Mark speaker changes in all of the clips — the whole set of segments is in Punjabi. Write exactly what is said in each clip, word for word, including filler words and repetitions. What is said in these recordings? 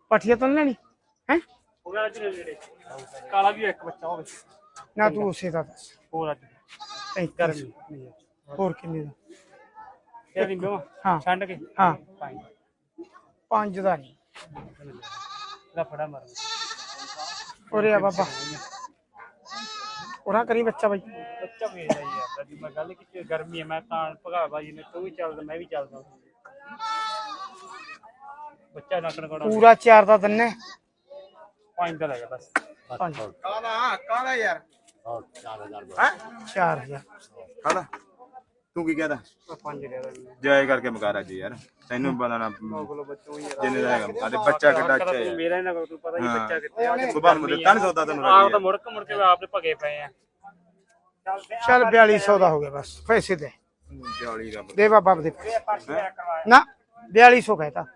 Speaker 1: पठिया तो नहीं लेनी है
Speaker 2: काला भी एक बच्चा होवे
Speaker 1: ना तू उसे दा दस
Speaker 2: ਹੋਰ ਅੱਜ
Speaker 1: पैंतीस होर किन्ने दा
Speaker 2: ਕਿਆ ਦਿੰਦੇ ਹੋ
Speaker 1: हाँ
Speaker 2: ਛੰਡ ਕੇ
Speaker 1: हाँ
Speaker 2: ਪੰਜ
Speaker 1: पांच दा नहीं
Speaker 2: ਦਾ ਫੜਾ ਮਾਰ
Speaker 1: ओरे आ बाबा ओरा करी बच्चा भाई
Speaker 2: ਬੱਚਾ ਵੇਚ ਰਹੀ ਯਾਰ ਅੱਜ ਮੈਂ ਗੱਲ ਕੀਤੀ ਗਰਮੀ ਹੈ ਮੈਂ ਤਾਂ ਭਗਾ ਬਾਜੀ ਨੇ ਤੂੰ ਵੀ ਚੱਲਦਾ ਮੈਂ ਵੀ ਚੱਲਦਾ ਬੱਚਾ ਨਕਣ ਕੋੜਾ
Speaker 1: पूरा चार दा तन्ने
Speaker 2: ਪੰਜ ਦਾ ਲੱਗਾ ਬਸ
Speaker 1: पांच
Speaker 3: ਕਾਲਾ ਕਾਲਾ ਯਾਰ
Speaker 1: चार हजार
Speaker 3: ਕਾਲਾ ਤੂੰ ਕੀ ਕਹਦਾ
Speaker 2: ਪੰਜ ਦੇ ਦੇ
Speaker 3: ਜਾਇ ਕਰਕੇ ਮਕਾਰਾ ਜੀ ਯਾਰ ਤੈਨੂੰ ਪਤਾ ਨਾ
Speaker 2: ਕੋਲ ਬੱਚਾ ਹੋਈ ਯਾਰ
Speaker 3: ਜਿੰਨੇ ਦਾ ਹੈਗਾ ਆਦੇ ਬੱਚਾ ਕਿੱਡਾ ਅੱਛਾ ਹੈ
Speaker 2: ਮੇਰਾ ਨਾ ਤੂੰ ਪਤਾ ਹੀ ਬੱਚਾ ਕਿੱਥੇ ਆ
Speaker 3: ਸੁਬਾਹ ਨੂੰ ਦਿੱਤਾ ਨਹੀਂ ਸੌਦਾ ਤੈਨੂੰ
Speaker 2: ਆਪ ਤਾਂ ਮੁੜਕ ਮੁੜ ਕੇ ਆਪ ਦੇ ਭਗੇ ਪਏ ਆ
Speaker 1: चल बयालीस सौ दा हो गया बस पैसे दे
Speaker 3: ਜਾਲੀ ਦਾ
Speaker 1: दे बाबा दे ना बयालीस सौ कहता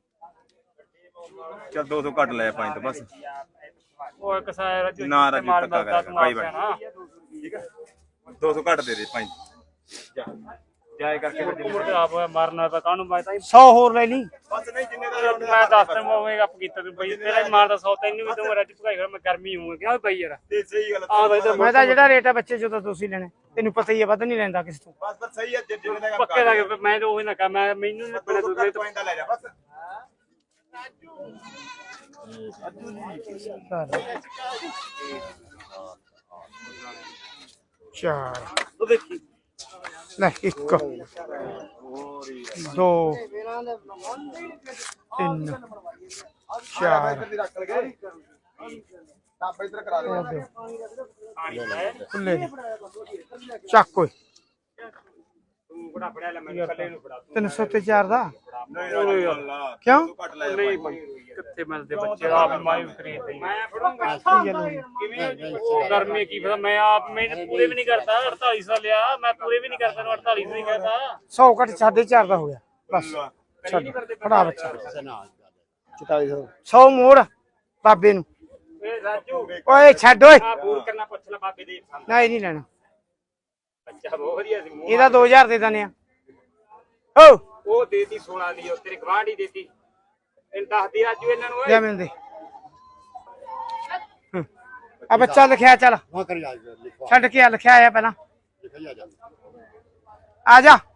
Speaker 3: ਚੱਲ ਦੋ ਸੌ ਘੱਟ ਲੈ ਪੰਜ ਤੋਂ ਬਸ
Speaker 2: ਉਹ ਇੱਕ ਸਾਰਾ ਰਾਜੂ
Speaker 3: ਨਾ ਰਾਜੂ ਧੱਕਾ ਕਰਿਆ ਭਾਈ ਬਣ ਠੀਕ ਹੈ ਦੋ ਸੌ ਘੱਟ ਦੇ ਦੇ ਪੰਜ ਜਾ ਜਾਇ ਕਰਕੇ ਫਿਰ
Speaker 2: ਮੁੜ ਕੇ ਆਪ ਮਾਰਨਾ ਤਾਂ ਕਾਹਨੂੰ ਮੈਂ ਤਾਂ
Speaker 1: सौ होर ले ली
Speaker 3: ਬਸ ਨਹੀਂ ਜਿੰਨੇ ਦਾ
Speaker 2: ਮੈਂ ਦੱਸ ਤਾ ਮੈਂ ਆਪ ਕੀਤਾ ਤੂੰ ਬਈ ਤੇਰਾ ਹੀ ਮਾਰਦਾ ਸੌ ਤੈਨੂੰ ਵੀ ਤੂੰ ਰਾਜੂ ਭਗਾਈ ਮੈਂ ਗਰਮੀ ਹੂੰ ਕਿਹਾ ਬਈ ਯਾਰ
Speaker 3: ਤੇ ਸਹੀ ਗੱਲ
Speaker 2: ਆ ਬਈ
Speaker 1: मैं तो जेड़ा रेट है बच्चे जो तो तुसी लेने तेनू पता ही है वध नहीं लेंदा किस तो
Speaker 3: ਬਸ ਬਸ ਸਹੀ ਹੈ ਜਿੰਨੇ ਦਾ
Speaker 2: ਪੱਕੇ ਲੱਗੇ ਮੈਂ ਤਾਂ ਉਹੀ ਨਾ ਕਹਾਂ ਮੈਂ ਮੈਨੂੰ ਨਹੀਂ ਪਤਾ ਤੂੰ ਮੇਰੇ ਤੋਂ
Speaker 3: ਪੰਜ ਦਾ ਲੈ ਜਾ ਬਸ
Speaker 1: चार
Speaker 2: ਉਹ ਦੇਖੀ
Speaker 1: ले एक दो तीन चार
Speaker 3: ਰੱਖ ਲਗੇ ਤਾਂ ਇਧਰ ਕਰਾ
Speaker 1: और दो खुले चक कोई
Speaker 2: ਤੂੰ ਬੜਾ ਫੜਿਆ ਲੈ ਮੈਂ ਕੱਲੇ ਨੂੰ ਫੜਾ
Speaker 1: तीन सौ ते चार दा
Speaker 3: ਨਹੀਂ ਅੱਲਾ
Speaker 1: क्यों
Speaker 3: ਘੱਟ ਲੈ
Speaker 2: ਨਹੀਂ ਕਿੱਥੇ ਮਿਲਦੇ ਬੱਚੇ ਆਪ ਮਾਈ ਖਰੀਦਦੇ ਮੈਂ ਫੜੂੰਗਾ ਕਿਵੇਂ ਗਰਮੀ ਕੀ ਪਤਾ ਮੈਂ ਆਪ ਮੈਂ ਪੂਰੇ ਵੀ ਨਹੀਂ ਕਰਦਾ ਅੜਤਾਲੀ ਸੌ ਲਿਆ ਮੈਂ ਪੂਰੇ ਵੀ ਨਹੀਂ ਕਰਦਾ ਨੂੰ ਅੜਤਾਲੀ ਸੌ ਹੀ ਕਰਦਾ
Speaker 1: सौ घट साढ़े चार दा हो गया बस छड़ फड़ा बच्चा
Speaker 3: ਚਤਾਲੀ ਸੌ
Speaker 1: सौ मोड़ बाबे नू
Speaker 2: ਏ ਰਾਜੂ
Speaker 1: ओए छड़ ओए
Speaker 2: ਆ ਬੂਰ ਕਰਨਾ ਪੁੱਛ ਲੈ ਬਾਬੇ ਦੇ
Speaker 1: नहीं नहीं लेना
Speaker 2: ਬੱਚਾ ਬਹੁਤ ਵਧੀਆ ਸੀ ਮੂੰਹ
Speaker 1: ਇਹਦਾ दो हज़ार दे दने ओ
Speaker 2: ਉਹ ਦੇਤੀ ਸੋਨਾ ਦੀ ਉਹ ਤੇਰੇ ਗਵਾਂਢੀ ਦੇਤੀ ਇਹ ਦੱਸਦੀ ਰਾਜੂ ਇਹਨਾਂ ਨੂੰ ਓਏ
Speaker 1: ले मैंने दे आ बच्चा लिखया चल
Speaker 4: वहाँ कर लिखवा
Speaker 1: छड़ के आ लिखया आया पहला
Speaker 4: लिखा जा
Speaker 1: आ जा